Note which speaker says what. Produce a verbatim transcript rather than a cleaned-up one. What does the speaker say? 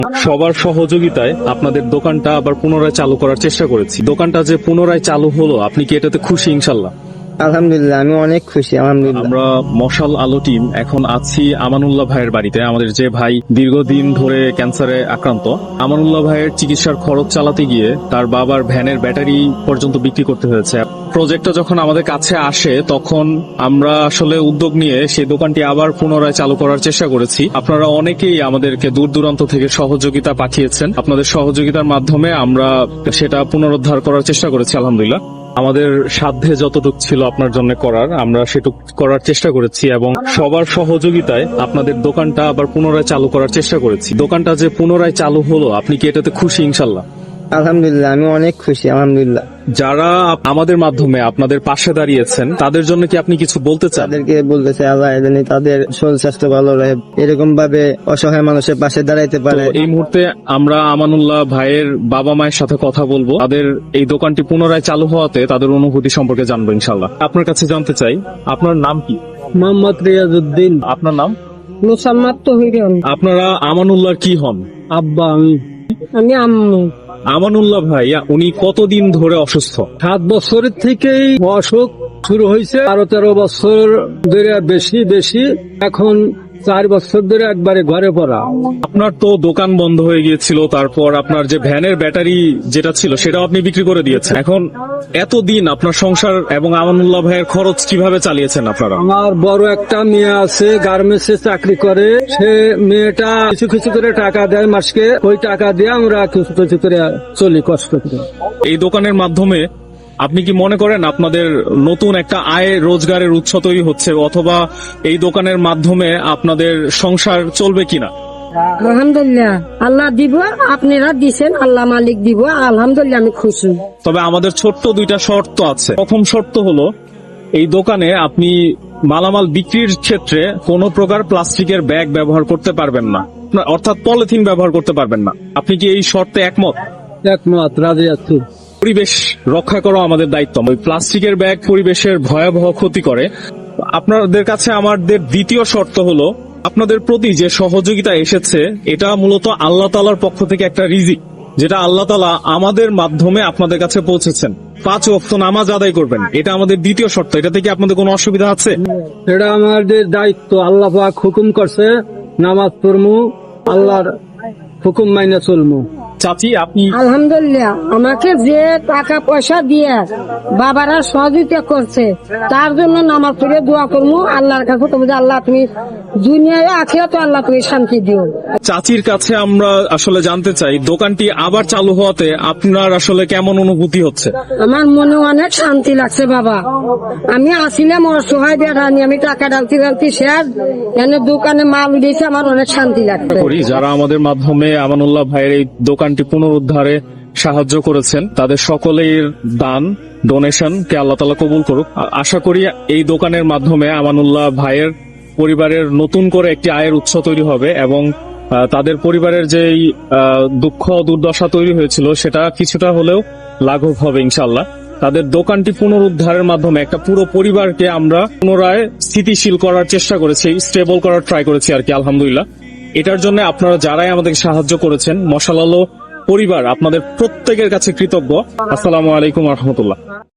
Speaker 1: সবার সহযোগিতায় আপনাদের দোকানটা আবার পুনরায় চালু করার চেষ্টা করেছি। দোকানটা যে পুনরায় চালু হলো, আপনি কি এটাতে খুশি? ইনশাল্লাহ
Speaker 2: আলহামদুলিল্লাহ, আমি অনেক খুশি। আলহামদুলিল্লাহ।
Speaker 1: আমরা মশাল আলো টিম এখন আছি আমানুল্লাহ ভাইয়ের বাড়িতে। আমাদের যে ভাই দীর্ঘদিন ধরে ক্যান্সারে আক্রান্ত, আমানুল্লাহ ভাইয়ের চিকিৎসার খরচ চালাতে গিয়ে তার বাবার ভ্যানের ব্যাটারি পর্যন্ত বিক্রি করতে হয়েছে। প্রজেক্টটা যখন আমাদের কাছে আসে তখন আমরা আসলে উদ্যোগ নিয়ে সেই দোকানটি আবার পুনরায় চালু করার চেষ্টা করেছি। আপনারা অনেকেই আমাদেরকে দূর দূরান্ত থেকে সহযোগিতা পাঠিয়েছেন। আপনাদের সহযোগিতার মাধ্যমে আমরা সেটা পুনরুদ্ধার করার চেষ্টা করেছি। আলহামদুলিল্লাহ, আমাদের সাধ্যে যতটুকু ছিল আপনার জন্য করার, আমরা সেটুকু করার চেষ্টা করেছি এবং সবার সহযোগিতায় আপনাদের দোকানটা আবার পুনরায় চালু করার চেষ্টা করেছি। দোকানটা যে পুনরায় চালু হলো, আপনি কি এটাতে খুশি? ইনশাল্লাহ
Speaker 2: আলহামদুলিল্লাহ, আমি অনেক খুশি। আলহামদুলিল্লাহ।
Speaker 1: যারা আমাদের মাধ্যমে আপনাদের পাশে দাঁড়িয়েছেন তাদের জন্য কি আপনি কিছু বলতে চান?
Speaker 2: তাদেরকে বলতে চাই, আল্লাহ জানি তাদের শরীর স্বাস্থ্য ভালো রহে, এরকম ভাবে অসহায় মানুষের পাশে দাঁড়াইতে পারে।
Speaker 1: তো এই মুহূর্তে আমরা আমানুল্লাহ ভাইয়ের বাবা মায়ের সাথে কথা বলবো। তাদের এই দোকানটি পুনরায় চালু হওয়াতে তাদের অনুভূতি সম্পর্কে জানবো ইনশাল্লাহ। আপনার কাছে জানতে চাই, আপনার নাম কি?
Speaker 2: মোহাম্মদ রিয়াজউদ্দিন।
Speaker 1: আপনার নাম?
Speaker 2: মুসাম্মাদ তহিরন।
Speaker 1: আপনারা আমানুল্লাহর কি হন?
Speaker 2: আব্বা। আমি আমি আম্মু।
Speaker 1: আমানুল্লাহ ভাই উনি কতদিন ধরে অসুস্থ?
Speaker 3: সাত বছরের থেকেই অসুখ শুরু হয়েছে, বারো তেরো বছর ধরে বেশি বেশি এখন চার বছর ধরে একবারে ঘরে পড়া।
Speaker 1: আপনার তো দোকান বন্ধ হয়ে গিয়েছিল, তারপর আপনার যে ভ্যানের ব্যাটারি যেটা ছিল সেটাও আপনি বিক্রি করে দিয়েছেন। এখন এতদিন আপনার সংসার এবং আমানুল্লাহ ভাইয়ের খরচ কিভাবে চালিয়েছেন আপনারা?
Speaker 3: আমার বড় একটা মেয়ে আছে, গার্মেন্টসে চাকরি করে। সে মেয়েটা কিছু কিছু করে টাকা দেয় মাসকে, ওই টাকা দিয়ে আমরা কিছু কিছু করে চলি কষ্ট করে।
Speaker 1: এই দোকানের মাধ্যমে আপনি কি মনে করেন আপনাদের নতুন একটা আয় রোজগারের উৎস তৈরি হচ্ছে, অথবা এই দোকানের মাধ্যমে আপনাদের সংসার চলবে কিনা?
Speaker 4: আলহামদুলিল্লাহ, আল্লাহ দিব, আপনারা দিছেন, আল্লাহ মালিক দিব। আলহামদুলিল্লাহ, আমি খুশি।
Speaker 1: তবে আমাদের ছোট্ট দুইটা শর্ত আছে। প্রথম শর্ত হলো, এই দোকানে আপনি মালামাল বিক্রির ক্ষেত্রে কোনো প্রকার প্লাস্টিকের ব্যাগ ব্যবহার করতে পারবেন না, অর্থাৎ পলিথিন ব্যবহার করতে পারবেন না। আপনি কি এই শর্তে একমত?
Speaker 3: একমত, রাজি আছি।
Speaker 1: পরিবেশ রক্ষা করা আমাদের দায়িত্ব। ওই প্লাস্টিকের ব্যাগ পরিবেশের ভয়াবহ ক্ষতি করে। আপনাদের কাছে আমাদের দ্বিতীয় শর্ত হলো, আপনাদের প্রতি যে সহযোগিতা এসেছে এটা মূলত আল্লাহ তাআলার পক্ষ থেকে একটা রিজিক, যেটা আল্লাহ তাআলা আমাদের মাধ্যমে আপনাদের কাছে পৌঁছেছেন। পাঁচ ওয়াক্ত নামাজ আদায় করবেন, এটা আমাদের দ্বিতীয় শর্ত। এটা থেকে আপনাদের কোনো অসুবিধা আছে?
Speaker 3: এটা আমাদের দায়িত্ব। আল্লাহ পাক হুকুম করছে নামাজ পড়মু, আল্লাহর হুকুম মাইনে চলমু।
Speaker 1: চাচি, আপনি?
Speaker 4: আলহামদুলিল্লাহ, আমাকে যে টাকা পয়সা দিয়ে বাবারা সহযোগিতা করছে তার জন্য নামাজ পড়ে দোয়া করবো আল্লাহর কাছে, তুমি যে আল্লাহ তুমি দুনিয়ায় আখিরাতে আল্লাহ তুমি শান্তি দিও।
Speaker 1: চাচির কাছে আমরা আসলে জানতে চাই, দোকানটি আবার চালু হওয়াতে আপনার আসলে কেমন অনুভূতি হচ্ছে?
Speaker 4: আমার মনে অনেক শান্তি লাগছে বাবা। আমি আসিলাম অসহায় বেড়ানি, আমি টাকা ডালতে ডালতে শেয়ার এনে দোকানে মাল দিয়েছে, আমার অনেক শান্তি লাগছে।
Speaker 1: করি যারা আমাদের মাধ্যমে আমানুল্লাহ ভাইয়ের এই দোকানটি পুনরুদ্ধারে সাহায্য করেছেন, তাদের সকলের দান ডোনেশন কে আল্লাহ তাআলা কবুল করুক। আশা করি এই দোকানের মাধ্যমে আমানুল্লাহ ভাইয়ের পরিবারের নতুন করে একটি আয়ের উৎস তৈরি হবে এবং তাদের পরিবারের যে দুঃখ দুর্দশা তৈরি হয়েছিল সেটা কিছুটা হলেও লাঘব হবে ইনশাআল্লাহ। তাদের দোকানটি পুনরুদ্ধারের মাধ্যমে একটা পুরো পরিবারকে আমরা পুনরায় স্থিতিশীল করার চেষ্টা করেছি, স্টেবল করার ট্রাই করেছি আর কি। আলহামদুলিল্লাহ, এটার জন্য আপনারা যারাই আমাদেরকে সাহায্য করেছেন, মশাল আলো পরিবার আপনাদের প্রত্যেকের কাছে কৃতজ্ঞ। আসসালামু আলাইকুম ওয়া রাহমাতুল্লাহ।